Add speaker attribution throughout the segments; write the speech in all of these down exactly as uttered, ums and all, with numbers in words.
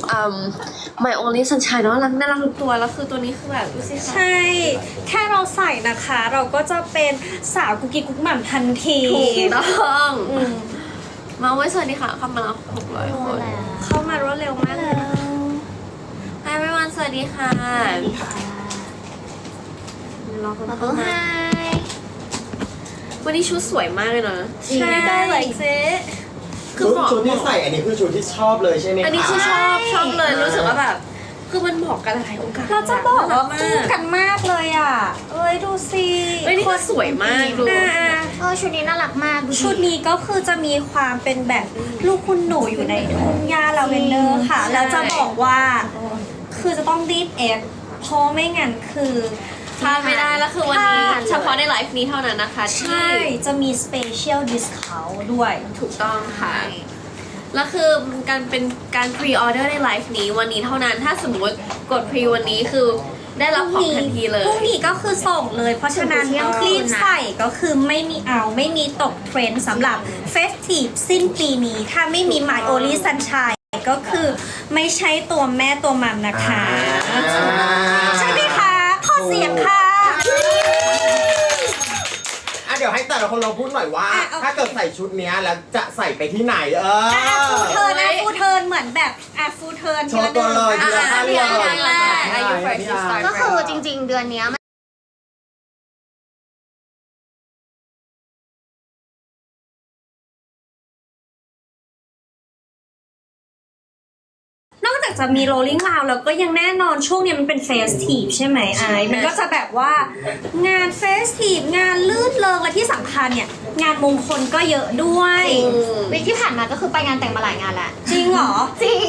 Speaker 1: อืม My Only Sunshine เนาะรักน่ารักทุกตัวแล้วคือตัวนี้คือแบบดูสิคะ
Speaker 2: ใช่ แค่เราใส่นะคะ เราก็จะเป็นสาวกุกกิ๊กกุ๊กหม่ำทันที
Speaker 1: ถูกต้อง
Speaker 2: อืม
Speaker 1: มาไว้สวัสดีค่ะเข้ามาแล้วหกร้อยคน
Speaker 2: เข้ามารวดเร็วมากเลยนะ
Speaker 1: Hi everyone สวัสดีค่ะรอคนเข้ามาวันนี้ชุดสวยมากเลยนะ
Speaker 2: ใช่ได้เลยเจ๊
Speaker 1: คือเหมาะ
Speaker 3: ชุดที่ใส่อันนี้คือชุดที่ชอบเลยใช่ไหมคะ
Speaker 1: อันนี้คือชอบชอบเลยรู้สึกว่าแบบ คือมันเหมาะกันหลายโอกาส
Speaker 2: เราจะบอกว่า
Speaker 1: มา
Speaker 2: คู่
Speaker 1: ก
Speaker 2: กันมากเลยอ่ะ เอ้ยดูสิ
Speaker 1: เฮ้ยนี่ก็สวยมากดู
Speaker 2: อ่า
Speaker 4: เออชุดนี้น่ารักมากดูดิ
Speaker 2: ชุดนี้ก็คือจะมีความเป็นแบบลูกคุณหนูอยู่ในทุ่งหญ้าลาเวนเดอร์ค่ะ
Speaker 1: ใช่
Speaker 2: แล้วจะบอกว่า คือจะต้องรีบเอฟเพราะไม่งั้นคือ
Speaker 1: พลาดไม่ได้แล้วคือวันนี้
Speaker 2: พลาด
Speaker 1: เฉพาะในไลฟ์นี้เท่านั้นนะคะที่
Speaker 2: ใช่ จะมี special discount ด้วย
Speaker 1: ถูกต้องค่ะ แล้วคือการเป็นการพรีออเดอร์ในไลฟ์นี้วันนี้เท่านั้นถ้าสมมติกดพรีวันนี้คือได้รับของทันทีเลย
Speaker 2: พรุ่งนี้ก็คือส่งเลย เพราะฉะนั้นรีบใส่ก็คือไม่มีเอาไม่มีตกเทรนด์สำหรับเฟสทีฟสิ้นปีนี้ ถ้าไม่มี My Only Sunshine ก็คือไม่ใช่ตัวแม่ตัวมัมนะคะ
Speaker 3: อ่า
Speaker 2: ใช่ไหมคะขอเสียงค่ะ
Speaker 3: อ่ะเดี๋ยวให้แต่ละคนเราพูดหน่อยว่า
Speaker 2: อ่ะโอเค
Speaker 3: ถ้าเกิดใส่ชุดเนี้ยแล้วจะใส่ไปที่ไหนเออ
Speaker 2: อ่ะฟูเทิร์นอ่ะฟูเทิร์นเหมือนแบบอ่ะฟูเทิร์น
Speaker 3: โชว์ตัวเลย
Speaker 1: อ่ะ
Speaker 3: ทีละท่าน
Speaker 1: พี่
Speaker 3: เล
Speaker 1: ไอย
Speaker 3: ย
Speaker 1: แรกอายุ first to start
Speaker 4: ก็คือจริง ๆ เดือนเนี้ยมัน
Speaker 2: นอกจากจะมี rolling round แล้วก็ยังแน่นอนช่วงเนี้ยมันเป็นเฟสทีฟใช่ไหมไอซ์มันก็จะแบบว่างานเฟสทีฟงานลื่นเริงและที่สำคัญเนี่ย งานมงคลก็เยอะด้วย
Speaker 4: วีคที่ผ่านมาก็คือไปงานแต่งมาหลายงานแล้ว
Speaker 2: จริงเหรอ
Speaker 4: จริง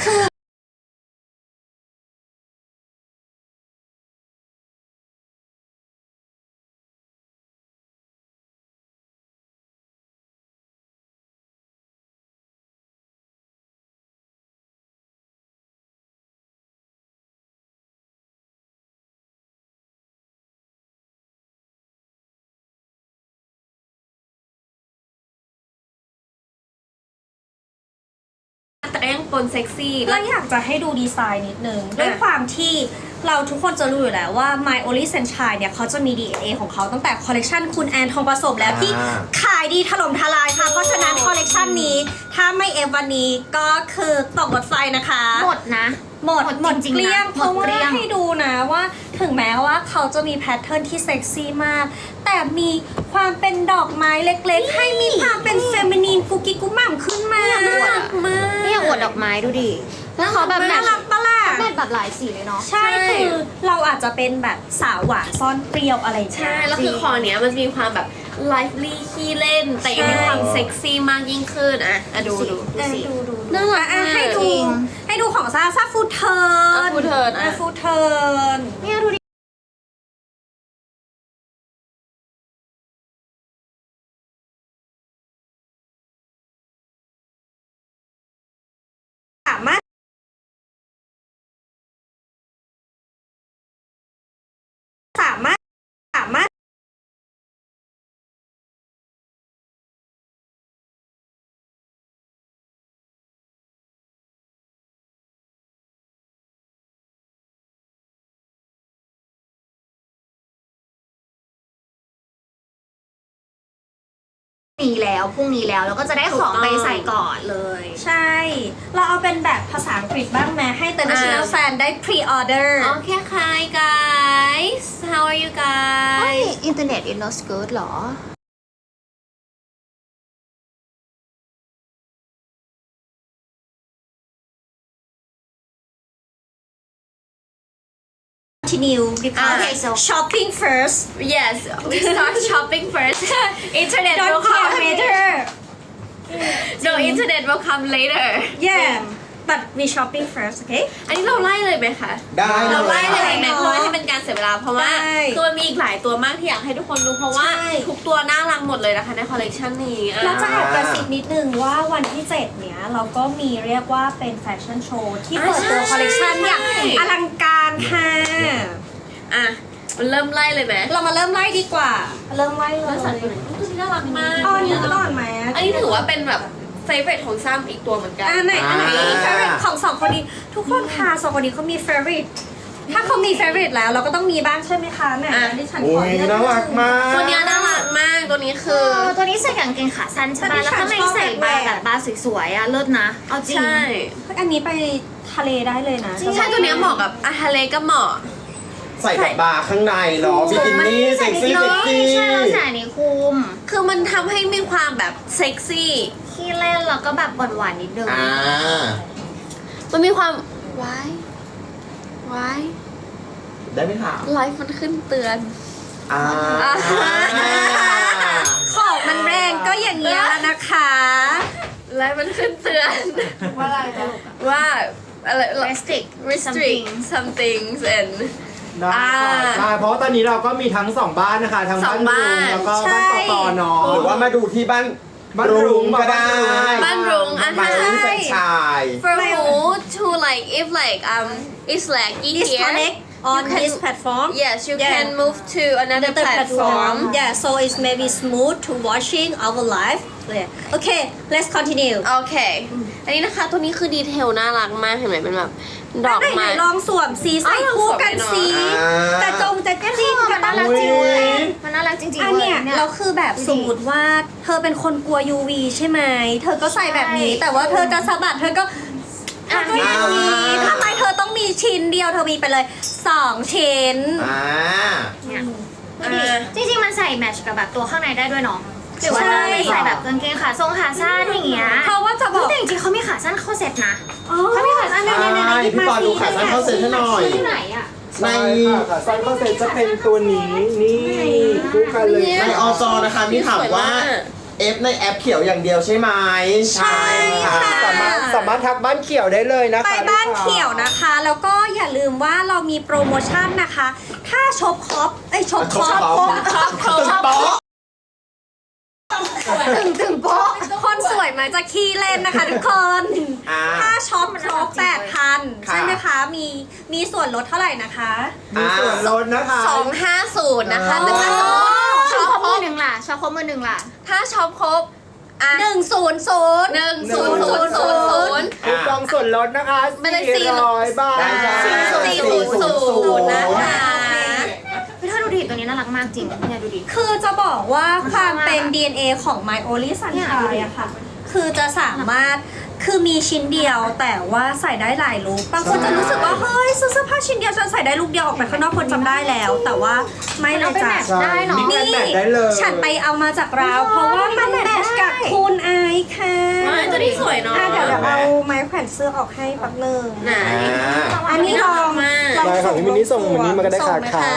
Speaker 1: แต่ก็ยังปนเซ็กซี่
Speaker 2: เราอยากจะให้ดูดีไซน์นิดนึง ด้วยความที่เราทุกคนจะรู้อยู่แล้วว่า My Only Sunshine เนี่ยเขาจะมี ดี เอ็น เอ ของเขาตั้งแต่คอลเลกชันคุณแอนทองผสมแล้วที่
Speaker 3: อ่า
Speaker 2: ขายดีถล่มทลายค่ะ เพราะฉะนั้นคอลเลกชันนี้ ถ้าไม่เอฟวันนี้ก็คือตกรถไฟนะคะ
Speaker 4: หมดนะ
Speaker 2: หมด
Speaker 4: หมดจริงๆ
Speaker 2: เกลี้ยง
Speaker 4: นะ
Speaker 2: เพราะ
Speaker 4: หมด
Speaker 2: ว่า
Speaker 4: เกลี้ยง
Speaker 2: ให้ดูนะว่าถึงแม้ว่าเขาจะมีแพทเทิร์นที่เซ็กซี่มาก แต่มีความเป็นดอกไม้เล็กๆ ให้มีความเป็นเฟมินีนกุกกิ๊กกุ๊กหม่ำขึ้นมา
Speaker 4: น่ารักมากเนี่ยอวดดอกไม้ดูดิ แล้วเขาแบบแบ
Speaker 2: น่า
Speaker 4: บ
Speaker 2: รักปะล่ะ
Speaker 4: แมทแบบหลายสีเลยเนาะ
Speaker 2: ใช่คือเราอาจจะเป็นแบบสาวหวานซ่อนเปรี้ยวอะไรอย่างเงี้ย
Speaker 1: ใช่แล้วคือคอเนี้ยมันจะมีความแบบไลฟ์ลี่ขี้เล่น แต่ยังมีความเซ็กซี่มากยิ่งขึ้นอ่ะอ่ะดูดู
Speaker 2: อ่ะดูดู
Speaker 1: น่ารัก
Speaker 2: อ่ะ
Speaker 1: มาก
Speaker 2: ให้ดู
Speaker 4: จริง
Speaker 2: ให้ดูของซาซาฟูเทิร์น
Speaker 1: อ่ะ Food Turn อ่ะ
Speaker 2: ฟูเทิร์น
Speaker 4: เนี่ยดูดิ
Speaker 2: สามารถสามารถสามารถ
Speaker 4: นี้แล้วพรุ่งนี้แล้วแล้วก็จะได้ของไปใส่ก่อนเลย
Speaker 2: ใช่ เราเอาเป็นแบบภาษาอังกฤษบ้างไหมให้ international fan ได้ pre order
Speaker 1: โอเคค่ะ guys how are you
Speaker 4: เฮ้ย
Speaker 1: guys
Speaker 4: อินเทอร์เน็ตอินโนสเกิร์ตหรอ
Speaker 2: continue because
Speaker 4: Okay, so-
Speaker 2: shopping first
Speaker 1: yes we start shopping first internet will
Speaker 2: don't care
Speaker 1: come
Speaker 2: later
Speaker 1: no internet will come later
Speaker 2: yeah but we shopping first okay
Speaker 1: อันนี้เราไล่เลยไหมคะ
Speaker 3: ได้
Speaker 1: เราไล่เลยไหม
Speaker 2: ได้
Speaker 1: เพราะว่าให้เป็นการเสียเวลาเพราะว่า
Speaker 2: ได้
Speaker 1: คือมันมีอีกหลายตัวมากที่อยากให้ทุกคนดูเพราะว่า
Speaker 2: ใช่
Speaker 1: ทุกตัวน่ารักหมดเลยนะคะในคอลเลกชันนี้อ่ะ
Speaker 2: เราจะแอบกระซิบนิดนึงว่าวันที่เจ็ดเนี้ยเราก็มีเรียกว่าเป็นแฟชั่นโชว์ที่เปิดตัวคอลเลกชันอย่างอลังการค่ะ
Speaker 1: อ่ะมันเริ่มไล่เลยไหม
Speaker 2: เรามาเริ่มไล่ดีกว่า เริ่มไล่เล
Speaker 1: เริ่
Speaker 2: ย
Speaker 1: มสัตว์ตัวไหนตัวนี้น่ารักมาก
Speaker 2: อ๋ออันนี้ก่อนไหม
Speaker 1: อันนี้ถือว่าเป็นแบบแฟ favorite ของซ้ำอีกตัวเหมือนกัน
Speaker 2: อันไหนอันไหน
Speaker 3: อ่า
Speaker 2: มี favorite ของสองคนนี้ทุกคนค่ะสองคนนี้เขามี favorite ถ้าเขามี favorite แล้วเราก็ต้องมีบ้างใช่ไหมคะแหม่
Speaker 1: อ่ะ
Speaker 2: ดิฉัน
Speaker 3: โอ้
Speaker 2: ขอย เลือก
Speaker 3: น่ารักมาก
Speaker 1: ตัวเนี้ยน่ารักมากตัวนี้คือ
Speaker 4: เออตัวนี้ใส่กางเกงขาสั้นใช่
Speaker 2: แต่
Speaker 4: ป่ะ
Speaker 2: ที่
Speaker 4: แล้วข้างใน
Speaker 2: ฉันชอบ
Speaker 4: ใส่บาร์
Speaker 2: แหวก
Speaker 4: แบบบาร์สวยๆอ่ะเลิศนะ เอาจริง
Speaker 1: ใช่
Speaker 2: อันนี้ไปทะเลได้เลยนะ
Speaker 1: ใช่ตัวเนี้ยเหมาะกับอาทะเลก็เหมาะ
Speaker 3: ใส่กับบาร์ข้างในเนาะบิกินี่เซ็กซี่เซ็กซี่
Speaker 4: ใช่เราใส่อันนี้คุม
Speaker 1: คือมันทำให้มีความแบบเซ็กซี่
Speaker 4: ขี้เล่นแล้วก็แบบหวานๆนิดนึง
Speaker 3: อ่า
Speaker 1: มันมีความว้ายว้าย
Speaker 3: ได้ไหมคะ
Speaker 1: ไลฟ์มันขึ้นเตือน
Speaker 3: อ่า
Speaker 2: ของมันแรงก็อย่างเงี้ยแล้วนะคะ
Speaker 1: ไลฟ์มันขึ้นเตือน
Speaker 2: ว่าอะไรคะ
Speaker 1: ว่าอะไร
Speaker 4: restrict
Speaker 1: restrict some things and
Speaker 5: ได้
Speaker 1: อ่า
Speaker 5: ค่ะใช่เพราะว่าตอนนี้เราก็มีทั้งสองบ้านนะคะ ทั้ง
Speaker 1: สอ
Speaker 5: บ้าง น
Speaker 1: บ้าน
Speaker 5: รุงแล้วก็บ้าน
Speaker 2: ใช่
Speaker 5: ปอปอเนาะ
Speaker 3: หรือว่ามาดูที่บ้าน
Speaker 5: บ้านรุ้ง
Speaker 3: ก็ได้
Speaker 1: บ้านรุ้งอ่ะ
Speaker 3: บ้านรุ้ง
Speaker 1: ใช่
Speaker 3: แฟรนไชาย
Speaker 1: for who to like if like um it's laggy here
Speaker 2: disconnect on
Speaker 1: you can-
Speaker 2: this platform
Speaker 1: yes you
Speaker 2: Yeah.
Speaker 1: can move to another
Speaker 2: another
Speaker 1: platform
Speaker 2: yeah so it's maybe smooth to watching our live yeah. okay let's continue
Speaker 1: โอเค อันนี้นะคะตัวนี้คือดีเทลน่ารักมากเห็นไหมเป็นแบบดอก
Speaker 2: ไหน
Speaker 1: ไม้
Speaker 2: ๆลองสวมสีใส่คู่กันสี
Speaker 3: อ่า
Speaker 2: จะจงจะจิ้น
Speaker 4: มั
Speaker 2: กัน น
Speaker 4: น่ารัก
Speaker 2: เล
Speaker 4: จริง
Speaker 2: ย
Speaker 4: เลยมันน่ารักจริงๆ
Speaker 2: อัน
Speaker 4: เลย
Speaker 2: เนี้ย
Speaker 4: เนี่ย
Speaker 2: เราคือแบบสมมติว่าเธอเป็นคนกลัว ยู วี ใช่ไหม เธอก็ใส่แบบนี้
Speaker 4: ใช่
Speaker 2: แต่ว่าเธอจะสะบัดเธอก็เธอก็อย่างนี้
Speaker 3: อ่า
Speaker 2: ทำไมเธอต้องมีชิ้นเดียวเธอมีไปเลยสองชิ้น
Speaker 3: อ่า
Speaker 4: เนี่ยดู
Speaker 1: อ่
Speaker 4: ดิ
Speaker 1: า
Speaker 4: จริงๆมันใส่แมทช์กับแบบตัวข้างในได้ด้วยเนาะหรือว่า
Speaker 2: ใช่
Speaker 4: จะไปใส่แบบกางเกงขาทรงขาสั้นอย่างเงี้ย
Speaker 2: เพราะว่าจะบอก
Speaker 4: แต่จริงๆเขามีขาสั้นเข้าเซ็ตนะ
Speaker 2: อ๋อ
Speaker 4: เขามีขาสั้น
Speaker 3: ใช่พี่ปอดูขาสั้นเข้าเซ็ตให้หน่อย
Speaker 4: ที่ไหนอ่ะ
Speaker 3: ใน
Speaker 5: ใช่ค่ะค่ะไซส์ข้อเซ็ตจะเป็นตัวนี้นี่คู่กันเลย
Speaker 3: ในอจนะคะมีถามว่า เอฟในแอปเขียวอย่างเดียวใช่ไหม
Speaker 2: ใช่ค่ะ
Speaker 5: สามารถสามารถทักบ้านเขียวได้เลยนะคะ
Speaker 2: ไปบ้าน
Speaker 5: ลูกค้
Speaker 2: เขียวนะคะ แล้วก็อย่าลืมว่าเรามีโปรโมชั่นนะคะ ถ้าช็อปคอปเอ้ยช็อป
Speaker 3: ช
Speaker 2: ค
Speaker 3: อบ
Speaker 2: อป
Speaker 3: ชอบชอบชอบโป๊ะ
Speaker 2: ถึงถึงโป๊ะคนสวยมาจะขี้เล่นนะคะทุกคน
Speaker 3: อ่า
Speaker 2: ถ้าช็อปครบแปดพัน
Speaker 3: ค่ะ
Speaker 2: ใช่ไหมคะ มีมีส่วนลดเท่าไหร่นะคะ
Speaker 5: มีส่วนลดนะคะ
Speaker 1: สองห้าศูนย์นะคะ
Speaker 5: อ๋อ
Speaker 1: แต่ถ้าสมมติ
Speaker 4: ช
Speaker 1: ช็
Speaker 4: อ
Speaker 1: อ
Speaker 4: ป
Speaker 1: ป
Speaker 4: ครบ
Speaker 1: คร
Speaker 4: มือบ หนึ่งล่ะชอปครบมือหนึ่งล่ะ
Speaker 1: ถ้าช็อปครบอ่ะ
Speaker 2: หนึ่งศูนย์ศูนย์
Speaker 1: หนึ่งศูนย์ศูนย์ศูนย์ศูนย์
Speaker 5: คูปองส่วนลดนะคะ
Speaker 1: ไม่ได้
Speaker 5: สี่ร้อยบาท
Speaker 3: ได้จ้ะ
Speaker 1: สี่ศูนย์ศูนย์นะคะ
Speaker 4: พี่ถ้าดูดิตัวนี้น่ารักมากจริงเนี่ยดูดิ
Speaker 2: คือจะบอกว่าความเป็น
Speaker 4: มัน
Speaker 2: ดี เอ็น เอ ของ My Only
Speaker 4: เนี่ย
Speaker 2: Sunshine อะค่ะ คือจะสามารถ คือมีชิ้นเดียวแต่ว่าใส่ได้หลายลุคบางคนจะรู้สึกว่า เฮ้ยซื้อเสื้อผ้าชิ้นเดียวฉันใส่ได้ลุคเดียวออกไปข้างนอกคนจำได้แล้ว แต่ว่าไม่เลยจ้ะ
Speaker 5: ใช่
Speaker 4: ได้เนอะ
Speaker 5: มีกันแมทได้เลย
Speaker 2: ฉันไปเอามาจากราว เพราะว่ามันแมทช์กับคุณไอซ์ค่ะ
Speaker 1: ไม่ตัวนี้สวยเนาะ
Speaker 2: อ่ะเดี๋ยวเดี๋ยวเอาไม้แขวนเสื้อออกให้แป๊บนึง
Speaker 1: ไหน
Speaker 2: อันนี้ลอง
Speaker 1: มาก
Speaker 2: ลอง
Speaker 5: ได้ค่ะพี่มินนี่ส่งวันนี้มาก็ได้
Speaker 2: ส่
Speaker 5: ค่ะ
Speaker 2: งไหม
Speaker 5: ค่ะ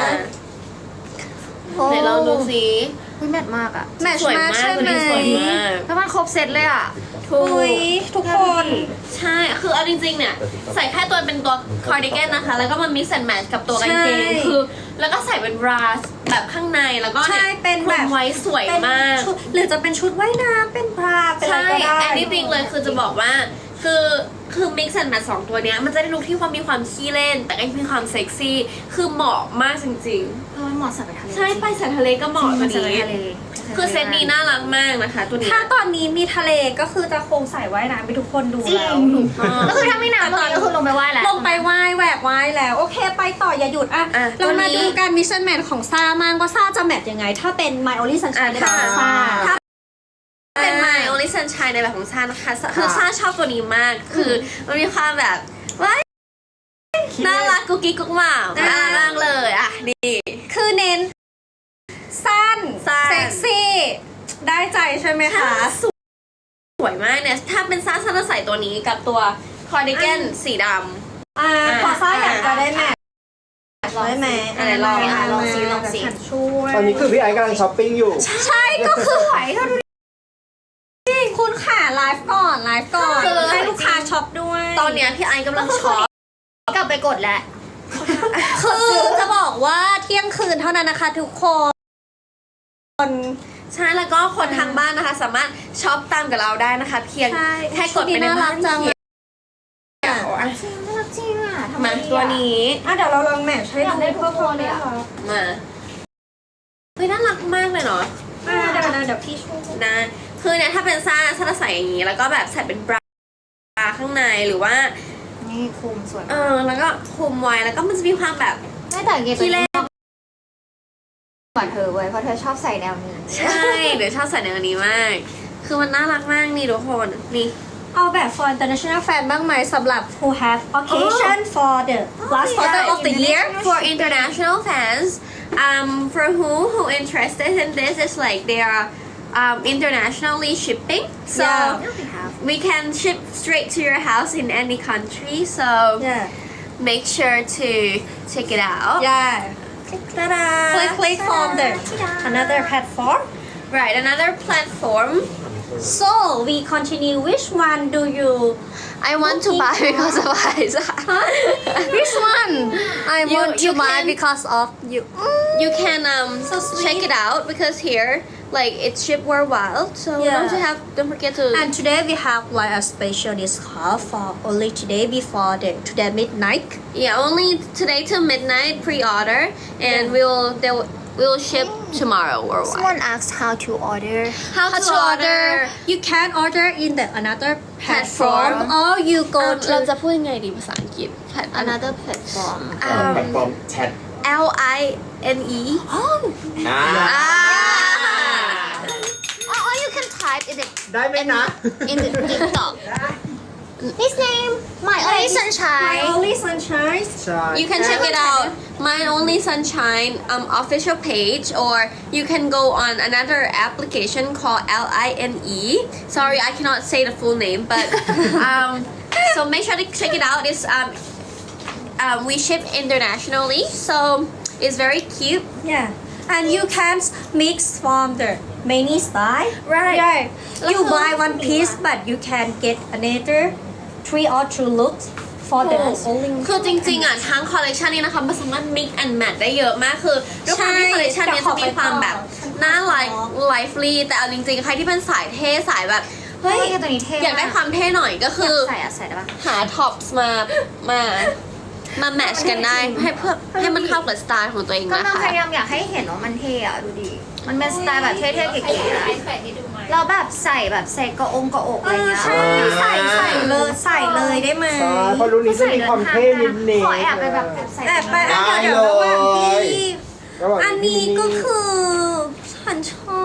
Speaker 1: ไหนลองดูสิ
Speaker 4: อุ้ยแมทมากอ่ะ
Speaker 2: แมทช์
Speaker 1: สวย
Speaker 2: มาก
Speaker 1: มาก
Speaker 2: ใช่
Speaker 1: ตัว
Speaker 2: ไหม
Speaker 1: นี้สวยมาก
Speaker 4: แล้วมันครบเซ็ตเลยอ่ะ
Speaker 1: ถูก
Speaker 2: อุ้ยทุกคน
Speaker 1: ใช่ คือเอาจริงๆ เนี่ย ใส่แค่ตัวเป็นตัวคอร์ดิแกนนะคะ แล้วก็มา mix and match กับตัวกางเกง
Speaker 2: ใช่
Speaker 1: คือ แล้วก็ใส่เป็นบราสแบบข้างใน แล้วก็
Speaker 2: ใช่
Speaker 1: เนี่ย
Speaker 2: เป็นแบบ
Speaker 1: คลุมไว้สวย
Speaker 2: เป็น
Speaker 1: มาก
Speaker 2: ชุดหรือจะเป็นชุดว่ายน้ำเป็นบราเป็นอะไร
Speaker 1: ใช่
Speaker 2: ก็ได้
Speaker 1: anything เลย คือจะบอกว่า คือ คือ mix and match สองตัวเนี้ย มันจะได้ลุคที่ความมีความขี้เล่น แต่ก็มีความเซ็กซี่ คือเหมาะมากจริง
Speaker 4: เออเหมาะใส่ไปทะเล
Speaker 1: ๆ ใช่ ไปสายทะเลก็เหมาะ
Speaker 4: จ
Speaker 1: ตั
Speaker 4: ริ
Speaker 1: ว
Speaker 4: งๆใส่ไป
Speaker 1: นี้
Speaker 4: ทะเล
Speaker 1: คือเซตนี้น่ารักมากนะคะ ตัวนี้
Speaker 2: ถ้าตอนนี้มีทะเลก็คือจะคงใส่ว่ายน้ำไปทุกคนดู
Speaker 4: จริง
Speaker 2: แล้ว
Speaker 4: ก็คือถ้าไม่นานตอนนี้ก็คือลงไปไหว้แล้ว
Speaker 2: ลงไปไหว้แหวกไหว้แล้ว โอเคไปต่ออย่าหยุดอ่ะ
Speaker 1: อ่ะ
Speaker 2: เรามา
Speaker 1: ตัวนี้
Speaker 2: ดูการมิชชั่นแมทของซ่ามากว่าซ่าจะแมทยังไง ถ้าเป็น My Only Sunshine ในแบบของซ่า
Speaker 1: ถ้าเป็น My Only Sunshine ในแบบของซานะคะ คือซาชอบตัวนี้มาก คือมันมีความแบบว้ายน่ารักกุ๊กกิ๊กกุ๊กหม่าวน่ารักมากเลยอ่ะนี่
Speaker 2: คือเน้น สั้น
Speaker 1: สั้น
Speaker 2: เซ็กซี่ ได้ใจใช่ไหมคะ
Speaker 1: สวยมากเนี่ย ถ้าเป็นซาซาจะใส่ตัวนี้กับตัวคอร์ดิแกนสีด
Speaker 2: อ่าพอซ่าอยากจะได้แมท
Speaker 4: ลอง
Speaker 2: ได้ไหม
Speaker 4: สิอะไรลองอ่ะลองสิลองสิ
Speaker 2: ฉันช่วย
Speaker 5: ตอนนี้คือพี่ไอซ์กำลังช้อปปิ้งอยู่
Speaker 2: ใช่ก็คือไหวเท่านี้คุณขาไลฟ์ก่อนไลฟ์ก่อนให้ลูกค้าช็อปด้วย
Speaker 1: ำตอนเนี้ยพี่ไอกำลังช็อป
Speaker 4: กลับไปกดแล้ว
Speaker 2: คือจะบอกว่าเที่ยงคืนเท่านั้นนะคะทุกคน
Speaker 1: ใช่ แล้วก็คนทางบ้านนะคะ สามารถช็อปตามกับเราได้นะคะ เพียง
Speaker 2: ใช่
Speaker 1: แค่กดไปในบ้าน
Speaker 2: จัง
Speaker 1: เขียวอ่ะ
Speaker 4: จริงน่ารักจริงอ่ะทำไม
Speaker 1: มาตัวนี้
Speaker 2: อ่ะเดี๋ยวเราลองแมทช์ให้
Speaker 4: อยากได้
Speaker 2: ดู
Speaker 4: ทุกคนเลยอ่ะ
Speaker 1: มาเฮ้ยน่ารักมากเลยเนาะ
Speaker 2: อ่ะเดี๋ยวเดี๋ยวเดี๋ยวพี่ช่วย
Speaker 1: นะคือเนี่ยถ้าเป็นซ่าซ่าจะใส่อย่างนี้แล้วก็แบบใส่เป็นบราข้างในหรือว่า
Speaker 4: นี่คุมสวย
Speaker 1: เออแล้วก็คลุมไว้แล้วก็มันจะมีความแบบ
Speaker 4: ไม่แต่เก
Speaker 1: ที่เล่น
Speaker 4: กว่าเธอเว้ยเพราะเธอชอบใส่แนวนี้
Speaker 1: ใช่เดี๋ยวชอบใส่แนวนี้มาก คือมันน่ารักมากนี่ทุกคนนี่
Speaker 2: เอาแบบ for international fan บ้างไหมสำหรับ who have occasion for the last quarter of the year
Speaker 1: for international fans um for who who interested in this is like they are um internationally shipping so
Speaker 2: Yeah.
Speaker 1: we can ship straight to your house in any country so
Speaker 2: yeah
Speaker 1: make sure to check it out
Speaker 2: yeah
Speaker 1: Ta-da!
Speaker 2: click click from the another platform
Speaker 1: right another platform
Speaker 2: so we continue which one do you
Speaker 1: I want to buy because of Isa.
Speaker 2: which one I
Speaker 1: You-
Speaker 2: want
Speaker 1: you
Speaker 2: to buy
Speaker 1: can-
Speaker 2: because of you
Speaker 1: You can um
Speaker 2: So sweet.
Speaker 1: check it out because here like it's shipped worldwide so
Speaker 2: Yeah.
Speaker 1: don't you have don't forget to
Speaker 2: and today we have like a special discount for only today before the today midnight
Speaker 1: yeah only today till midnight pre-order and
Speaker 2: Yeah.
Speaker 1: we'll they will we'll ship tomorrow worldwide.
Speaker 4: Someone asked how to order
Speaker 1: How,
Speaker 2: how to order you can order in the another platform
Speaker 1: Platform.
Speaker 2: or you go
Speaker 1: อ่ะ
Speaker 2: to
Speaker 1: เราจะพูดยังไงดีภาษาอังกฤษ
Speaker 4: another platform
Speaker 1: อ่า
Speaker 3: แพลตฟอร์มแชท
Speaker 1: L I N E
Speaker 3: อ่า
Speaker 1: อ่า
Speaker 4: or, or you can type in the
Speaker 5: ได้ไหมนะ
Speaker 4: in the TikTok his name my only
Speaker 2: my
Speaker 4: sunshine
Speaker 2: only sunshine
Speaker 5: ใช่
Speaker 1: You can check it out My Only Sunshine um official page or you can go on another application called L I N E sorry I cannot say the full name but um so make sure to check it out it's um um we ship internationally so it's very cute
Speaker 2: yeah and you can mix from the many style
Speaker 1: Right.
Speaker 2: yeah you
Speaker 1: แล้วคือ
Speaker 2: buy one piece but you can get another three or two looks for the only
Speaker 1: คือจริงๆอ่ะทั้งคอลเลกชันนี้นะคะมันสามารถ mix and match ได้เยอะมากคือด้วยความที่คอลเลกชันนี้จะมีความแบบน่าไลฟ์ไลฟ์ลีแต่เอาจริงๆ ใครที่เป็นสายเท่สายแบบ
Speaker 4: เฮ้
Speaker 1: เฮ้
Speaker 4: ย
Speaker 1: ย
Speaker 4: ตัวนี้เท่
Speaker 1: อยากได้ความเท่หน่อยก็คือ
Speaker 4: ใส่อะใส่ได้ปะ
Speaker 1: หาท็อปส์มา มา มาแมทช์กันได้ให้เพื่อให้มันเข้ากับสไตล์ของตัวเอง
Speaker 4: ก็
Speaker 1: นะ
Speaker 4: เรา
Speaker 1: คะ
Speaker 4: พยายามอยากให้เห็นว่ามันเท่อะดูดิ มันเป็นสไตล์แบบเท่ๆเก๋ๆอะเราแบบใส่แบบใส่กระองกระอกอะไรเงี้ย
Speaker 2: ใช่ใส่ใส่เลยใส่เลยได้ไหม
Speaker 5: ใช่เพราะรุ่นนี้จะมีความเท่นิดนึง
Speaker 4: ขอแอบไปแบบแอบใส่
Speaker 2: แต่ไป
Speaker 3: ได้
Speaker 2: อันเดี๋ยวระหว่างที่
Speaker 5: ระหว่าง
Speaker 2: อันนี้ก็คือฉันชอบ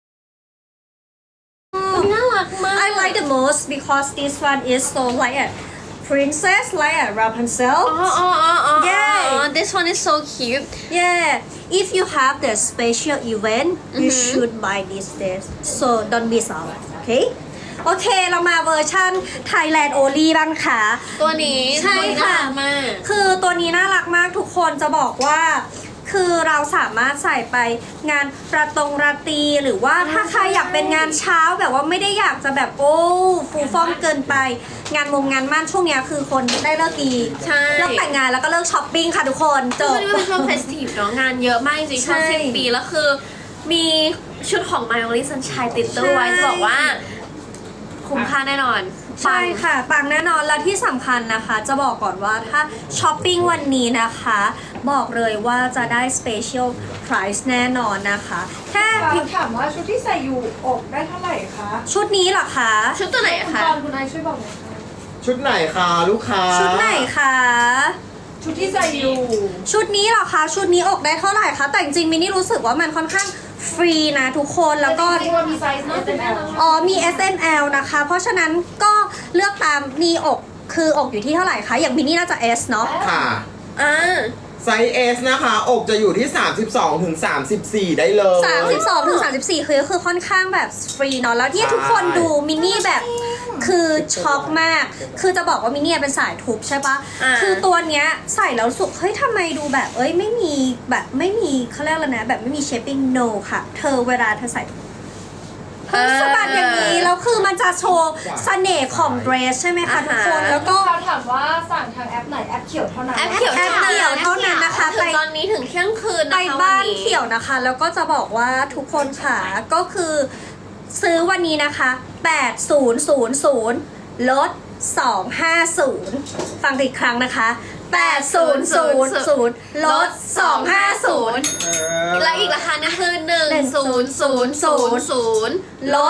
Speaker 1: น่ารักมาก
Speaker 2: I like the most because this one is so like a princess like a Rapunzel
Speaker 1: อ๋ออ๋ออ๋ออ๋อ
Speaker 2: Yeah.
Speaker 1: this one is so cute
Speaker 2: yeah if you have the special event you should buy this dress so don't miss out okay โอเคเรามาเวอร์ชัน Thailand only บ้างค่ะ
Speaker 1: ตัวนี้
Speaker 2: ใช่ค่ะ
Speaker 1: ตัวนี้น่ารักมาก
Speaker 2: คือตัวนี้น่ารักมากทุกคนจะบอกว่า คือเราสามารถใส่ไปงานประตงราตรีหรือว่าถ้าใครอยากเป็นงานเช้าแบบว่าไม่ได้อยากจะแบบโอ้ฟูฟ่องเกินไป งานวงงานมั่นช่วงเนี้ยคือคนได้เลิกดี
Speaker 1: ใช่
Speaker 2: เลิกแต่งงานแล้วก็เลิกช้อปปิ้งค่ะทุกคนจ
Speaker 1: ช่ว
Speaker 2: บ
Speaker 1: งนี้มันเป็นช่วงเฟสทีฟเนาะงานเยอะมากจริงๆช่วง
Speaker 2: ใช่
Speaker 1: สิ้นปีแล้วคือ มีชุดของ My Only Sunshine ติดตัวไว้
Speaker 2: ใช่
Speaker 1: จะบอกว่า คุ้มค่าแน่นอน
Speaker 2: ใช่ค่ะปังแน่นอนแล้วที่สำคัญนะคะ จะบอกก่อนว่าถ้าช้อปปิ้งวันนี้นะคะ บอกเลยว่าจะได้ special price แน่นอนนะคะแค่
Speaker 6: ถามว่าชุดที่ใส่อยู่อกได้เท่าไหร่คะ
Speaker 2: ชุดนี้เหรอคะ
Speaker 1: ชุดตัวไหนอะ
Speaker 6: คุณ
Speaker 1: คะ
Speaker 6: กรณ์คุณไอช่วยบอกหน่อยค่ะ
Speaker 3: ชุดไหนคะลูกค้า
Speaker 2: ชุดไหนคะ
Speaker 6: ชุดที่ใส่อยู่
Speaker 2: ชุดนี้เหรอคะชุดนี้อกได้เท่าไหร่คะแต่จริงๆมินนี่รู้สึกว่ามันค่อนข้างฟรีนะทุกคนแล้วก็
Speaker 6: จริงๆว่ามีไซส์ เอส เอ็ม แอล
Speaker 2: อ๋อมี เอส เอ็ม แอล นะคะ เพราะฉะนั้นก็เลือกตามนี่อกคืออกอยู่ที่เท่าไหร่คะอย่างมินนี่น่าจะ S เนาะ
Speaker 3: ค่ะ
Speaker 1: อ่า
Speaker 3: ไซส์ S นะคะ อกจะอยู่ที่ สามสิบสองถึงสามสิบสี่ ได้เลย
Speaker 2: สามสิบสองถึงสามสิบสี่คือคือค่อนข้างแบบฟรีเนาะแล้วที่
Speaker 3: ใช่
Speaker 2: ทุกคนดูมินนี่แบบคือช็อกมาก คือจะบอกว่ามินนี่เป็นสายทุบใช่ปะ
Speaker 1: อ่า
Speaker 2: คือตัวเนี้ยใส่แล้วรู้สุกเฮ้ยทำไมดูแบบเอ้ยไม่มีแบบไม่มีเขาเรียกแล้วนะแบบไม่มีเชฟปิ้ง no ค่ะ เธอเวลาเธอใส่เฮ้ยสะบัดอย่างนี้แล้วคือมันจะโชว์เสน่ห์ของเดรสใช่ไหมคะทุกคนแล้วก็
Speaker 6: เขาถามว่าสั่งทางแอปไหนแอปเขียวเท่านั้น
Speaker 1: แอปเขียว
Speaker 2: แอปเขียวเท่านั้นนะคะ
Speaker 1: ถึงตอนนี้ถึงเที่ยงคืน
Speaker 2: ไป
Speaker 1: นะคะ
Speaker 2: บ้าน
Speaker 1: วันนี้
Speaker 2: เขียวนะคะ แล้วก็จะบอกว่าทุกคนค่ะก็คือซื้อวันนี้นะคะแปดศูนย์ศูนย์ศูนย์ลดสองห้าศูนย์ฟังอีกครั้งนะคะแปดศูนย์ศูนย์ศูนย์ลดสองห้าศูนย์
Speaker 3: เออ
Speaker 1: และอีกราคานึงคือหนึ่งศูนย์ศูนย์ศูนย์ศูนย์
Speaker 2: ลด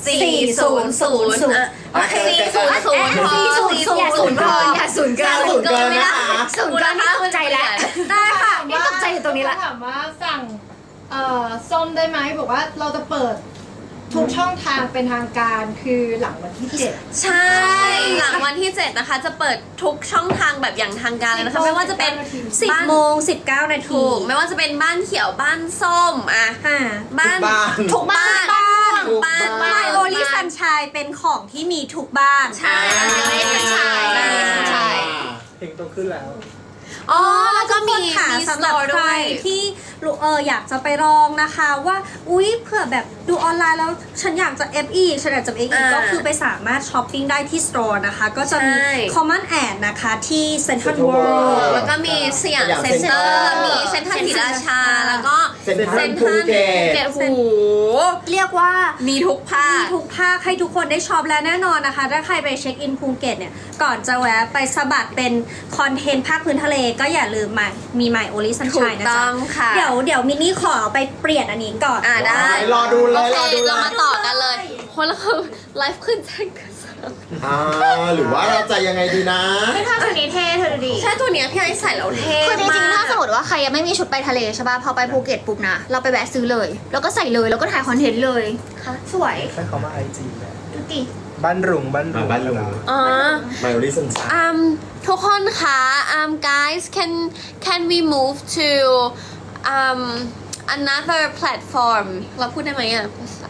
Speaker 1: สี่ศูนย์ศูนย์อ่ะ
Speaker 2: โอเค
Speaker 1: สี่ศูนย์ศูนย์พอ
Speaker 2: สี่ศูนย์ศูนย์
Speaker 4: อย่าศูนย์เกินอย่าศูนย์เกิน
Speaker 3: ศูนย์เกินนะคะ
Speaker 4: ศูนย์เกินนี่ตกใจแล้ว
Speaker 2: ได้ค่ะ
Speaker 4: นี่ตกใจอยู่ตรงนี้ละ
Speaker 6: ถามว่าสั่งเอ่อส้มได้ไหมบอกว่าเราจะเปิดทุกช่องทางเป็นทางการคือหลังวันที่เจ็ด
Speaker 1: ใช่ หลังวันที่เจ็ดนะคะ จะเปิดทุกช่องทางแบบอย่างทางการเลยนะคะ ไม่ว่าจะเป็น
Speaker 2: สิบ
Speaker 1: บ้าน
Speaker 2: โมงสิบเก้านาที
Speaker 1: ถูกไม่ว่าจะเป็นบ้านเขียวบ้านส้มอ่ะ
Speaker 2: อ่า
Speaker 1: บ้าน
Speaker 3: ทุกบ้าน
Speaker 1: ทุกบ้าน
Speaker 3: ทุกบ้าน
Speaker 1: บ้าน
Speaker 2: ไมโอลิซันชายเป็นของที่มีทุกบ้าน
Speaker 1: ใช่
Speaker 4: ใช่
Speaker 1: ใช่
Speaker 5: เพลงต้องขึ้นแล้ว
Speaker 1: อ๋อแล้วก็มี
Speaker 2: ค่ะ
Speaker 1: มี
Speaker 2: สำหรับ
Speaker 1: store
Speaker 2: ใค
Speaker 1: ด้
Speaker 2: ร
Speaker 1: วย
Speaker 2: ที่เอออยากจะไปลองนะคะว่าอุ๊ยเผื่อแบบดูออนไลน์แล้วฉันอยากจะ เอฟ อี ฉันอยากจะ เอฟ อี
Speaker 1: อ่า
Speaker 2: ก็คือไปสามารถช้อปปิ้งได้ที่ store นะคะ ก็จะมี
Speaker 1: ใช่
Speaker 2: Common Ad นะคะที่ Central
Speaker 3: Central
Speaker 2: World
Speaker 3: World
Speaker 1: แล้วก็มีสยาม
Speaker 3: สยาม
Speaker 1: เซ็นเตอร์
Speaker 3: Center
Speaker 1: มีเซ็นทรัลศรีราชา แล้วก็
Speaker 3: เซ็นทรัลภูเก็ต
Speaker 1: โอ้โห
Speaker 2: เรียกว่า
Speaker 1: มีทุกภา
Speaker 2: มี
Speaker 1: ค
Speaker 2: ทุกภาคให้ทุกคนได้ช็อปและแน่นอนนะคะ ถ้าใครไปเช็คอินภูเก็ตเนี่ย ก่อนจะแวะไปสะบัดเป็นคอนเทนต์ภาคพื้นทะเลก็อย่าลืมมามี My Only
Speaker 1: ถู
Speaker 2: Sunshine
Speaker 1: ก
Speaker 2: นะ
Speaker 1: ต้
Speaker 2: จ๊ะ
Speaker 1: องค่ะ
Speaker 2: เดี๋ยวเดี๋ยวมินนี่ขอไปเปลี่ยนอันนี้ก่อน
Speaker 1: อ่าได้
Speaker 3: รอดูเล
Speaker 1: โอย เค
Speaker 3: รอดูเล
Speaker 1: เรา
Speaker 3: ย
Speaker 1: มาต่อกันเลยคนละคือไลฟ์ขึ้นแจ้งกันสาม
Speaker 3: อ่าหรือว่าเราจะยังไงดีนะ
Speaker 4: ถ้าตัวนี้เท่เธอดูดิ
Speaker 1: ใช่ตัวเนี้ยพี่ไอซ์ใส่แล้วเท่
Speaker 4: คือจริงๆ
Speaker 1: ม
Speaker 4: ถ้าก สมมติว่าใครยังไม่มีชุดไปทะเลใช่ป่ะ พอไปภูเก็ตปุ๊บนะ เราไปแวะซื้อเลย แล้วก็ใส่เลย แล้วก็ถ่ายคอนเทนต์เลยค่ะสวย
Speaker 5: ใช้คำว่าไอจีแหละ
Speaker 4: ดูดิ
Speaker 5: บ้านรุงบ้านรุง
Speaker 3: อ่าบ้านรุง
Speaker 1: อ๋อ
Speaker 3: ไมโอลิสันชา
Speaker 1: um ทุกคนคะ um guys can can we move to um another platform เราพูดได้ไหมอ่ะ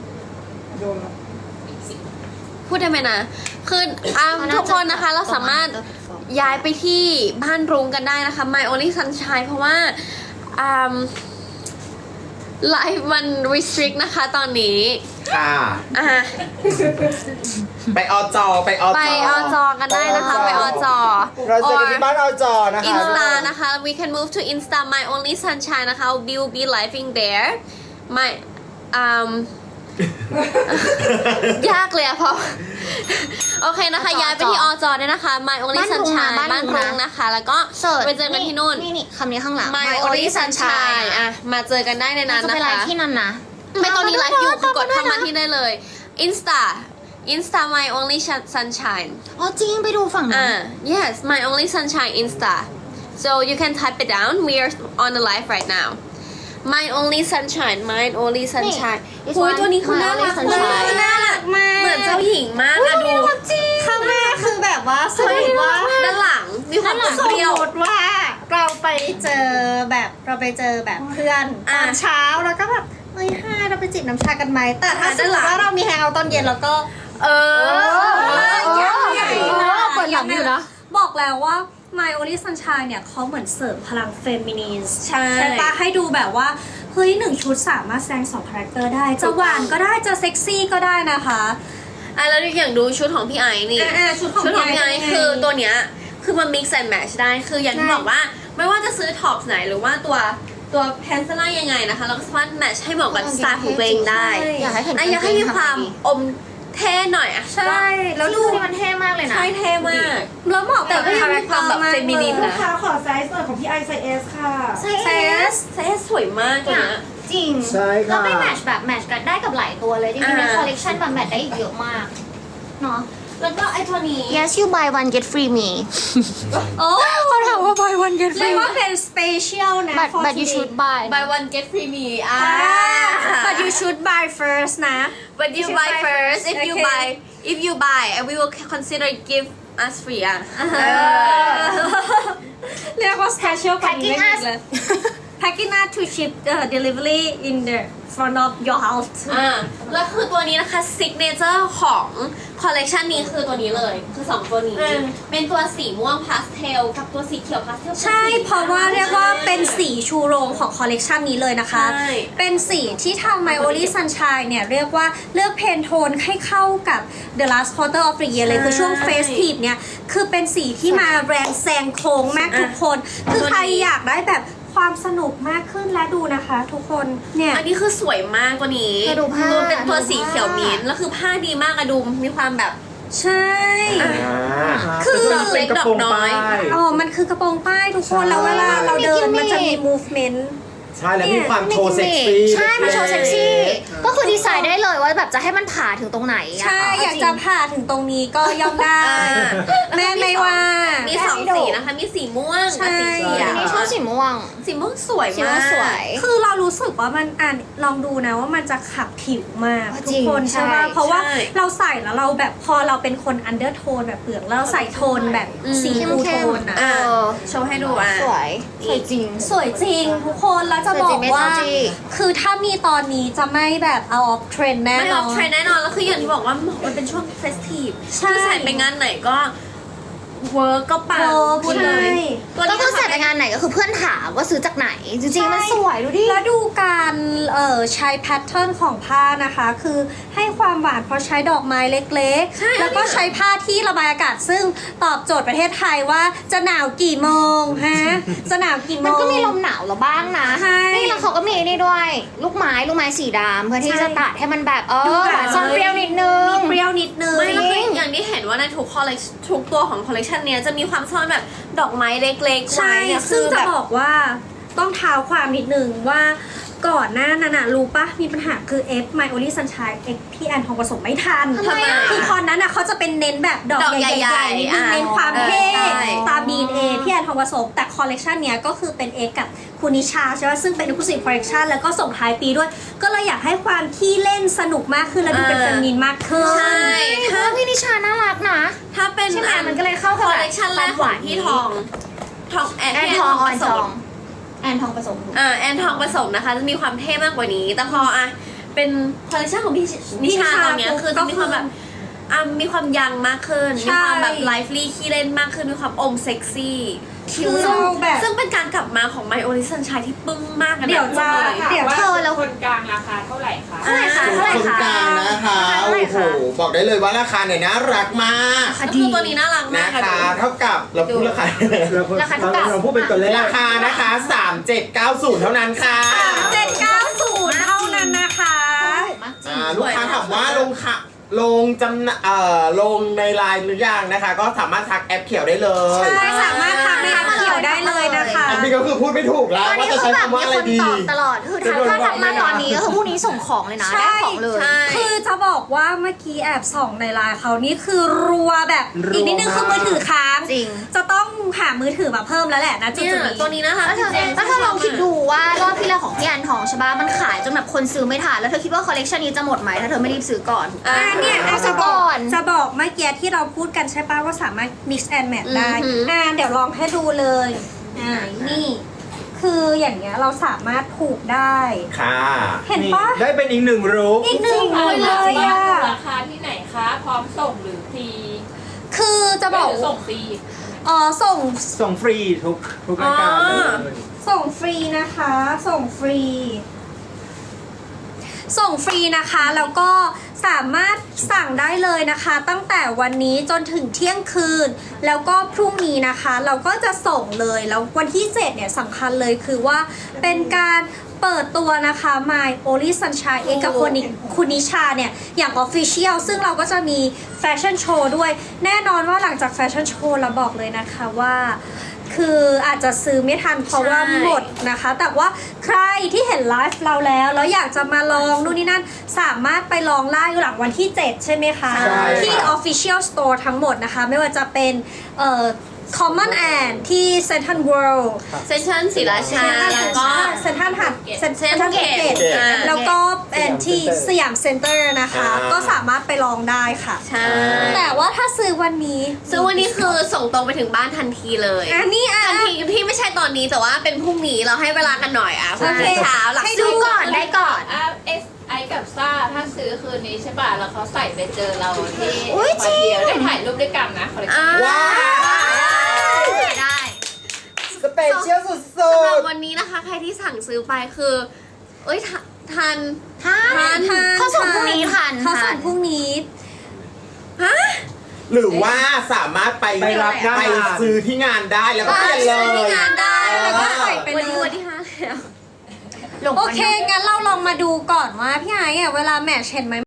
Speaker 1: พูดได้ไหมนะ คือ um ทุกคนนะคะเราสามารถย้ายไปที่บ้านรุงกันได้นะคะ My Only Sunshine เพราะว่า um ไลฟ์มัน restrict นะคะตอนนี้
Speaker 3: ค่ะ
Speaker 1: อ่ะ
Speaker 3: ไปอจอไปอจอ
Speaker 1: ไปอจอกันได้นะคะ ไปอจอ
Speaker 5: เราเจอกันที่บ้านอจอนะคะ
Speaker 1: อินสตานะคะ we can move to Insta My Only Sunshine นะคะ we will be living there my um ยากเลยอะพอ โอเคนะคะ ย้ายไปที่อจอเนี่ยนะคะ My Only
Speaker 4: บ้านรุงนะ
Speaker 1: Sunshine
Speaker 4: บ้าน
Speaker 1: บ้าน
Speaker 4: รุง
Speaker 1: รุง
Speaker 4: นะ
Speaker 1: นะคะ แล้วก็
Speaker 4: เสิร์ช
Speaker 1: ไปเจอกันที่นู่น
Speaker 4: นี่นี่คำนี้ข้างหลัง
Speaker 1: My Only Sunshine อ่ะ มาเจอกันได้ในนั้น
Speaker 4: จะ
Speaker 1: นะ
Speaker 4: ไปไล
Speaker 1: คะ
Speaker 4: ฟ์ที่นั่นนะ
Speaker 1: ไม่ตอนนี้ไลฟ์อยู่คือกดเข้ามา
Speaker 4: ที่
Speaker 1: ที่ได้เลย Insta Insta My Only Sunshine
Speaker 4: อ๋อจริงไปดูฝั่งนั้น
Speaker 1: Uh, yes, my only sunshine Insta. So you can type it down. We are on the live right now. My only sunshine, my only sunshine.
Speaker 4: นี่
Speaker 1: โอ้ยตัวนี้คือ
Speaker 4: My
Speaker 1: น่า
Speaker 4: Only
Speaker 1: รัก
Speaker 4: Sunshine
Speaker 1: มากน่ารักมากเหมือนเจ้าหญิงมากอะดู
Speaker 2: ข้างหน้าคือแบบว่าสมมติว่า
Speaker 1: ด้านหลังมีความ
Speaker 2: สม
Speaker 1: เปรี้ยว
Speaker 2: มติว่าเราไปเจอแบบเราไปเจอแบบเพื่อนต
Speaker 1: อ่ะ
Speaker 2: อนเช้าแล้วก็แบบเฮ้ยฮ่าเราไปจิบน้ำชากันไหมแต่ถ้า
Speaker 1: อ่ะ
Speaker 2: สมมติว่าเรามีแฮงเอาท์ตอนเย็นแล้วก็
Speaker 1: เออ
Speaker 2: ใหญ่
Speaker 4: เออเปิดหลังอยู่นะ
Speaker 2: บอกแล้วว่า My Only Sunshine เนี่ยเขาเหมือนเสริมพลังเฟมินีน
Speaker 1: ใช่
Speaker 2: ใช่ปะให้ดูแบบว่า เฮ้ยหนึ่งชุดสามารถแสดงสองคาแรคเตอร์ได้ จะหวานก็ได้จะเซ็กซี่ก็ได้นะคะ
Speaker 1: อ่ะแล้วอย่างดูชุดของพี่ไอซ์นี่
Speaker 2: อ่าๆชุดของ
Speaker 1: ชุดของ
Speaker 2: พี่
Speaker 1: พี่
Speaker 2: ไอ
Speaker 1: ไอ
Speaker 2: ซ์
Speaker 1: ซ์คือตัวเนี้ยคือมัน mix and match ได้คืออย่างที่
Speaker 2: ใช่
Speaker 1: บอกว่าไม่ว่าจะซื้อท็อปไหนหรือว่าตัวตัวแพนเซล่ายังไงนะคะ เราก็สามารถแมทช์ให้เหมาะกับสไตล์ของตัวเองได้
Speaker 4: อยากให้เห็น
Speaker 1: อ่ะอยากให้มีความอมเท่หน่อยอ่ะ
Speaker 2: ใช่แล้ว
Speaker 4: แล้ว
Speaker 2: ดู
Speaker 4: ดูนี่มันเท่มากเลยนะ
Speaker 1: ใช่เท่มาก
Speaker 2: แล้วเหมาะกับ
Speaker 1: แต่ก็ยังมีความแบบ feminine
Speaker 6: ลูกค้าขอไซส์หน่อยของพี่ไอไซส์เอสค่ะ
Speaker 4: ใช่
Speaker 2: เซส
Speaker 1: เท่สวยมากตัว
Speaker 4: เนี่ย
Speaker 1: เนี้ย
Speaker 4: จริง
Speaker 5: ใช่ค่ะ
Speaker 4: แล้วไม่แมทช์แบบแมทช์กันได้กับหลายตัวเลย จริงๆใน
Speaker 1: อ่า
Speaker 4: คอลเลกชันแบบแมทช์ได้อีกเยอะมากเนาะ
Speaker 1: แล้วก็ไอ้ตัวนี้
Speaker 4: Yes you buy one get free me
Speaker 2: โอ้
Speaker 4: เขาถามว่า buy one get
Speaker 2: เรีย
Speaker 4: free
Speaker 2: กว่าเป็น special นะ
Speaker 4: but
Speaker 2: for
Speaker 4: but you
Speaker 2: today
Speaker 4: should buy
Speaker 1: buy one get free me อ่า
Speaker 2: but you should buy first นะ
Speaker 1: but you buy first if you
Speaker 2: Okay.
Speaker 1: buy if you buy and we will consider give us free อ่ะ
Speaker 2: เรียกว่า special กว่านี้
Speaker 4: Packing
Speaker 2: ไม่มี
Speaker 4: us
Speaker 2: เลย packing us to ship uh, delivery in the front of your house
Speaker 1: อ่าแล้วคือตัวนี้นะคะ signature ของคอลเลกชันนี้คือตัวนี้เลย คือสองตัวนี้
Speaker 2: อืม
Speaker 1: เป็นตัวสีม่วงพาสเทลกับตัวสีเขียวพาสเทล
Speaker 2: ใช่ เพราะว่าเรียกว่าเป็นสีชูโรงของคอลเลกชันนี้เลยนะคะ
Speaker 1: ใช่
Speaker 2: เป็นสีที่ทาง My Only Sunshine เนี่ยเรียกว่าเลือกเพนโทนให้เข้ากับ The Last Quarter of the Year เลย คือช่วง Festive เนี่ย คือเป็นสีที่มาแรงแซงโค้งมากทุกคน คือใครอยากได้แบบความสนุกมากขึ้นและดูนะคะทุกคน เนี่ย
Speaker 1: อันนี้คือสวยมากตัวนี้
Speaker 4: แต่ดูผ้า
Speaker 1: ตัวเป็นตัว
Speaker 4: ดูผ้า
Speaker 1: สีเขียวมิ้นท์แล้วคือผ้าดีมากอะดูมีความแบบ
Speaker 2: ใช่
Speaker 3: อ่า
Speaker 2: คือ
Speaker 5: เป็นกระโปรงป้าย
Speaker 2: อ๋อ มันคือกระโปรงป้ายทุกคน แล้วเวลาเราเดินมันจะมี movement
Speaker 3: ใช่แล้วมีความโชว์เซ็กซี่
Speaker 4: ใช่มันโชว์เซ็กซี่ ก็คือดีไซน์ได้เลยว่าแบบจะให้มันผ่าถึงตรงไหนอะ
Speaker 2: ใช่อยากจะผ่าถึงตรงนี้ก็ย่อมได้ แม่ไม่ว่า
Speaker 1: มีสองสีนะคะ มีสีม่วง
Speaker 2: ใช่
Speaker 1: กับสีเขียว
Speaker 4: นี่ชอบสีม่วง
Speaker 1: สีม่วงสวย
Speaker 4: สีม่
Speaker 1: มาว
Speaker 4: ง
Speaker 1: ก
Speaker 4: สวย
Speaker 2: คือเรารู้สึกว่ามันอ่านลองดูนะว่ามันจะขับผิวมาก
Speaker 4: จ
Speaker 2: ทุ
Speaker 4: ริ
Speaker 2: ก
Speaker 4: ง
Speaker 2: คนใช่ไหม
Speaker 4: ใช่
Speaker 2: เพราะว่า
Speaker 1: ใช่
Speaker 2: เราใส่แล้วเราแบบพอเราเป็นคนอันเดอร์โทนแบบเปลือกแล้วเราใส่โทนแบบสี
Speaker 4: เข้ม
Speaker 2: ฟู
Speaker 4: เข้
Speaker 2: โท
Speaker 4: ม
Speaker 2: นอ่ะ
Speaker 4: เออ
Speaker 1: โชว์ให้ดูอ่ะ
Speaker 4: สวยสวยจริง
Speaker 2: สวยจริงทุกคนแล้วจะบอ
Speaker 4: สวยจริ
Speaker 2: ก
Speaker 4: งไม่
Speaker 2: ว่า
Speaker 4: เท่าจริง
Speaker 2: คือถ้ามีตอนนี้จะไม่แบบเอาออฟเทรนแน่
Speaker 1: ไม่
Speaker 2: น
Speaker 1: อ
Speaker 2: อ
Speaker 1: อน กเทรนแน่นอน แล้วคืออย่างที่บอกว่ามันเป็นช่วงเฟสทีฟ
Speaker 2: ใช่
Speaker 1: คือใส่ไปงานไหนก็เวิร์กก็ปัง
Speaker 2: เออ
Speaker 1: พูดเลย
Speaker 2: ใช่
Speaker 1: ตัว
Speaker 4: ก็
Speaker 1: นี้
Speaker 4: คือ
Speaker 1: นะ
Speaker 4: ใส่
Speaker 1: คะ
Speaker 4: ไปงานไหนก็คือเพื่อนถามว่าซื้อจากไหน จริงๆมันสวยดูดิ
Speaker 2: แล้วดูการเอ่อใช้แพทเทิร์นของผ้านะคะ คือให้ความหวานเพราะใช้ดอกไม้เล็ก
Speaker 1: ใช่
Speaker 2: ๆ แล้วก็ใช้ผ้าที่ระบายอากาศซึ่งตอบโจทย์ประเทศไทยว่าจะหนาวกี่โมงฮะ จะหนาวกี่โมง
Speaker 4: มันก็มีลมหนาวแล้วบ้างนะ
Speaker 2: ใช่
Speaker 4: นี่แล้วเขาก็มีนี่ด้วย ลูกไม้ลูกไม้สีดำเพื่อที่
Speaker 2: ใช่
Speaker 4: จะตัดให้มันแบบเอ
Speaker 2: ดู
Speaker 4: อ
Speaker 2: แบบ
Speaker 4: ซ่อนเปรี้ยวนิดนึง
Speaker 2: เปรี้ยวนิดนึง
Speaker 1: ไม่แล้วคืออย่างที่เห็นว่าในทุกคอลเลคทุกตัวของคอลเลคชันเนี้ยจะมีความซ่อนแบบดอกไม้เล็กๆ
Speaker 2: ใช่
Speaker 1: ไว้เนี่ย
Speaker 2: ซึ่ง
Speaker 1: คือ
Speaker 2: จะ
Speaker 1: แบบ
Speaker 2: บอกว่าต้องเท้าความนิดนึงว่าก่อนหน้านั้นนะรู้ปะมีปัญหาคือ F My Only Sunshine X พี่แอนทองผสมไม่ทัน
Speaker 1: ทำไมอะ
Speaker 2: คือคอนนั้นน่ะเขาจะเป็นเน้นแบบดอก
Speaker 1: ดอก
Speaker 2: ให
Speaker 1: ใหญ่
Speaker 2: ญ่
Speaker 1: ๆ
Speaker 2: ๆนิดนึง
Speaker 1: อ่ะ
Speaker 2: เน้นความเท่
Speaker 1: เออใช่
Speaker 2: ตาม ดี เอ็น เอ พี่แอนทองผสมแต่คอลเลกชันเนี้ยก็คือเป็น X กับคุณนิชาใช่ไหมซึ่งเป็น Exclusive Collection แล้วก็ส่งท้ายปีด้วย ก็เลยอยากให้ความขี้เล่นสนุกมากขึ้นและดูเป็นเฟมินีนมากขึ้น
Speaker 1: ใช่
Speaker 4: ถ้าพี่นิชาน่ารักนะ
Speaker 1: ถ้าเป็น
Speaker 4: ใช่ไหมมันก็เลยเข้ากับ
Speaker 1: คอลเลคชันแรกของพี่ทองทองแอน
Speaker 4: แอน
Speaker 1: พี่
Speaker 4: ทอง
Speaker 1: ผ
Speaker 4: แอน
Speaker 1: ส
Speaker 4: ทอ
Speaker 1: ม
Speaker 4: งแอนทองผสม
Speaker 1: อ่าแอนทองผสมนะคะ จะมีความเท่มากกว่านี้ แต่พออ่ะเป็นคอลเลคชันของพี่นิชาตอนเนี้ยคือจะมีความแบบอ่ะมีความยังมากขึ้น
Speaker 2: ใช่
Speaker 1: มีความแบบไลฟ์ลี่ขี้เล่นมากขึ้น มีความอมเซ็กซี่
Speaker 2: คิ้ว
Speaker 1: ซึ่ง
Speaker 2: แบบ
Speaker 1: ซึ่งเป็นการกลับมาของ My Only Sunshine ที่ปึ้งมากกันน
Speaker 2: เดี๋ยวจะ
Speaker 1: เลย
Speaker 2: เดี๋ยว
Speaker 4: เธอแล้ว
Speaker 7: คนกลางราคาเท่าไหร่คะ
Speaker 4: เท่าไหร่คะเท่าไหร่
Speaker 3: คน
Speaker 4: คะ
Speaker 3: กลางนะคะ
Speaker 4: เท่า
Speaker 3: โอ้
Speaker 4: ไหร่
Speaker 3: โห
Speaker 4: คะ
Speaker 3: บอกได้เลยว่าราคาเนี่ยน่ารักมาก
Speaker 1: ก็คือตัวนี้น่ารักมา
Speaker 3: นะ
Speaker 1: ก
Speaker 3: คะ เท่ากับเราพูดราคา
Speaker 5: เราพูด
Speaker 4: ราคาเท่ากับ
Speaker 5: เราพูดเป็นตัวเลข
Speaker 3: ราคานะคะสามเจ็ดเก้าศูนย์เท่านั้นค่ะ
Speaker 2: เจ็ดเก้าศูนย์เท่านั้นนะคะ
Speaker 4: ถูกมากจริง
Speaker 3: อ่าลูกค้าถามว่าลงค่ะลงจำหน่าเอ่อลงในไลน์หรือยังนะคะ ก็สามารถทักแอปเขียวได้เลย
Speaker 2: ใช่สามารถทำในแอปเขียวได้เลยนะคะ
Speaker 3: อันนี้ก็คือพูดไม่ถูกแล้ว
Speaker 4: ตอน
Speaker 3: ว่า
Speaker 4: นี้
Speaker 3: จะ
Speaker 4: คื
Speaker 3: ใช้
Speaker 4: อแบบ
Speaker 3: คำว่า
Speaker 4: มี
Speaker 3: อะไร
Speaker 4: คน
Speaker 3: ดี
Speaker 4: ตอบตลอดคือถ้าถ้าทักมาตอนนี้ก็คือพรุ่งนี้ส่งของเลยนะ
Speaker 2: ใช่
Speaker 4: ได้ของเลย
Speaker 1: ใช่
Speaker 2: คือจะบอกว่าเมื่อกี้แอบส่องในไลน์เขานี่คือรัวแบบ
Speaker 5: รัว
Speaker 2: อีกนิดนึงคือมือถือค้าง
Speaker 4: จริง
Speaker 2: จะต้องหามือถือมาเพิ่มแล้วแหละนะจุด
Speaker 1: เนี่ย
Speaker 2: ๆนี้
Speaker 1: ตัวนี้นะคะ
Speaker 4: แล้วเธอแล้วเธอลองคิดดูว่ารอบที่แล้วของพี่แอนทองใช่ปะมันขายจนแบบคนซื้อไม่ทันแล้วเธอคิดว่าคอลเลกชันนี้จะหมดไหมถ้าเธอไม่รีบซื้อก่อน
Speaker 1: อ่า
Speaker 2: อ่าเนี่ย
Speaker 4: เอา
Speaker 2: จะ
Speaker 4: ซะ
Speaker 2: บ
Speaker 4: ก่
Speaker 2: อ
Speaker 4: อก น
Speaker 2: จะบอกเมื่อกี้ที่เราพูดกันใช่ป่ะว่าสามารถ mix and match ได้
Speaker 1: อือหืออ่
Speaker 2: อ่าเดี๋ยวลองให้ดูเลยอ่านี่ คืออย่างเงี้ยเราสามารถผูกได้
Speaker 3: ค่ะ
Speaker 2: เห็นปะ
Speaker 5: ได้เป็นอีกหนึ่งรูป
Speaker 2: อีกหนึ่งเลยเลยอ่ะ
Speaker 7: ราคาที่ไหนคะ พร้อมส่งหรือฟรี
Speaker 2: คือจะบอก
Speaker 7: หรือส่งฟรี
Speaker 2: อ๋อส่ง
Speaker 5: ส่งฟรีทุกทุกรายการเลย
Speaker 2: ส่งฟรีนะคะ ส่งฟรี ส่งฟรีนะคะแล้วก็สามารถสั่งได้เลยนะคะ ตั้งแต่วันนี้จนถึงเที่ยงคืน แล้วก็พรุ่งนี้นะคะ เราก็จะส่งเลยแล้ววันที่เจ็ดเนี่ยสำคัญเลยคือว่าเป็นการเปิดตัวนะคะ My Only Sunshine เอกกับคุณนิคุณนิชาเนี่ยอย่าง Official ซึ่งเราก็จะมีแฟชั่นโชว์ด้วยแน่นอนว่าหลังจากแฟชั่นโชว์เราบอกเลยนะคะว่า คืออาจจะซื้อไม่ทันเพราะว่า
Speaker 1: ใช่
Speaker 2: หมดนะคะ แต่ว่าใครที่เห็นไลฟ์เราแล้ว แล้วอยากจะมาลองนู่นนี่นั่น สามารถไปลองได้หลังวันที่ เจ็ด ใช่ไหมคะ
Speaker 3: ใช่
Speaker 2: ที่
Speaker 3: ค่ะ
Speaker 2: Official Store ทั้งหมดนะคะ ไม่ว่าจะเป็นเอ่อ Common and ที่ Central World
Speaker 1: เซสชั่นศรีราชา แล้วก็
Speaker 2: เซ็นทรัลหัดเซ็น
Speaker 1: เซ็น
Speaker 2: ท
Speaker 1: ทรั
Speaker 2: รั
Speaker 1: ล
Speaker 2: ล
Speaker 1: เก
Speaker 2: เก
Speaker 1: ต
Speaker 2: ต
Speaker 1: อ่า
Speaker 2: แล้วก็เป็นที่สยามเซ็นเตอร์นะคะ
Speaker 3: อ่า
Speaker 2: ก็สามารถไปลองได้ค่ะ
Speaker 1: ใช่
Speaker 2: แต่ว่าถ้าซื้อวันนี้
Speaker 1: ซึ่งวันนี้คือส่งตรงไปถึงบ้านทันทีเลย
Speaker 2: อันนี้อ่ะ
Speaker 1: ทันทีที่ไม่ใช่ตอนนี้แต่ว่าเป็นพรุ่งนี้เราให้เวลากันหน่อยอ่ะพรุ่งนี้เช้าหลัง
Speaker 2: ให้ดู
Speaker 1: ซื้อ
Speaker 2: ก่อนได้ก่อน
Speaker 7: อ่ะเอสไอกับซ่าถ้าซื้อคืนนี้ใช่ป่ะ แล้วเขาใส่ไปเจอเราที่
Speaker 4: อุ๊ยจริง
Speaker 7: เดียวได้ถ่ายรูปด้วยกันนะคอลเลคชั
Speaker 1: อ่าน
Speaker 3: ว้าว
Speaker 4: ได้
Speaker 3: สเปเชียลสุ
Speaker 1: สำหรับ
Speaker 3: ด
Speaker 1: วันนี้นะคะ ใครที่สั่งซื้อไปคือ เอ้ยทันทัน
Speaker 4: ทัน
Speaker 1: ทัน
Speaker 4: เขาส่งพรุ่งนี้ทัน
Speaker 2: เขาส่ง
Speaker 4: ทัน
Speaker 2: พรุ่งนี้
Speaker 1: ฮะ
Speaker 3: ๆ หรือว่าสามารถไป
Speaker 5: ไปรับหน้า
Speaker 3: ไป
Speaker 5: งาน
Speaker 3: ซื้อที่งานได้แล้วก็เปลี่ยนเล
Speaker 1: ซื้อที่
Speaker 3: ย
Speaker 1: งานได้แล้วก็ใส่ไป
Speaker 2: ไป
Speaker 1: เล
Speaker 2: เลย ย
Speaker 1: วันที่ห้าแล้ว
Speaker 2: โอเค งั้นเราลองมาดูก่อนว่าพี่ไอ้อะเวลาแมทช์เห็นไหม